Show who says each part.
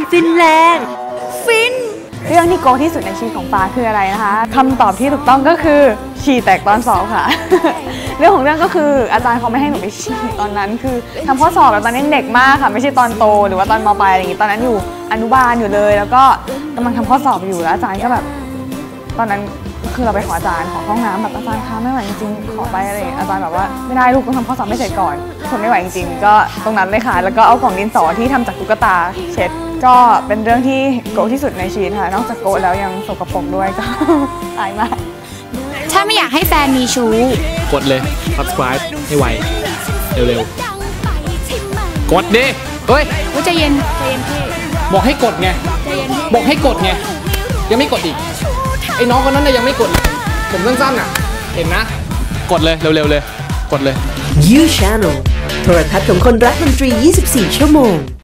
Speaker 1: ฟินแรงฟิน
Speaker 2: เรื่องที่โกที่สุดในชีวิตของฟ้าคืออะไรนะคะคำตอบที่ถูกต้องก็คือฉี่แตกตอนสอบค่ะ เรื่องของเรื่องก็คืออาจารย์เขาไม่ให้หนูไปฉี่ตอนนั้นคือทำข้อสอบแบบตอนนี้เด็กมากค่ะไม่ใช่ตอนโตหรือว่าตอนม.ปลายอะไรอย่างงี้ตอนนั้นอยู่อนุบาลอยู่เลยแล้วก็กำลังทำข้อสอบอยู่แล้วอาจารย์ก็แบบตอนนั้นคือเราไปขออาจารย์ขอห้องน้ำแบบอาจารย์คะไม่ไหวจริงๆขอไปอะไรอาจารย์แบบว่าไม่ได้ลูกต้องทำข้อสอบไม่เสร็จก่อนทนไม่ไหวจริงๆก็ตรงนั้นเลยค่ะแล้วก็เอากล่องดินสอที่ทำจากตุ๊กตาเช็ดก็เป็นเรื่องที่โกที่สุดในชีวิตค่ะนอกจากโกแล้วยังสกปรกด้วยก็ อายมาก
Speaker 3: ถ้าไม่อยากให้แฟนมีชู้
Speaker 4: กดเลย subscribe ให้ไวเร็วๆกดดิเฮ้ย
Speaker 3: ใจเย็นพี่
Speaker 4: บอกให้กดไงบอกให้กดไงยังไม่กดอีกไอ้น้องคนนั้นน่ะยังไม่กดเลยผมสั้นๆอ่ะเห็นนะกดเลยเร็วๆเลยกดเลย
Speaker 1: You Channel โทรทัศน์ของคนรักดนตรี 24 ชั่วโมง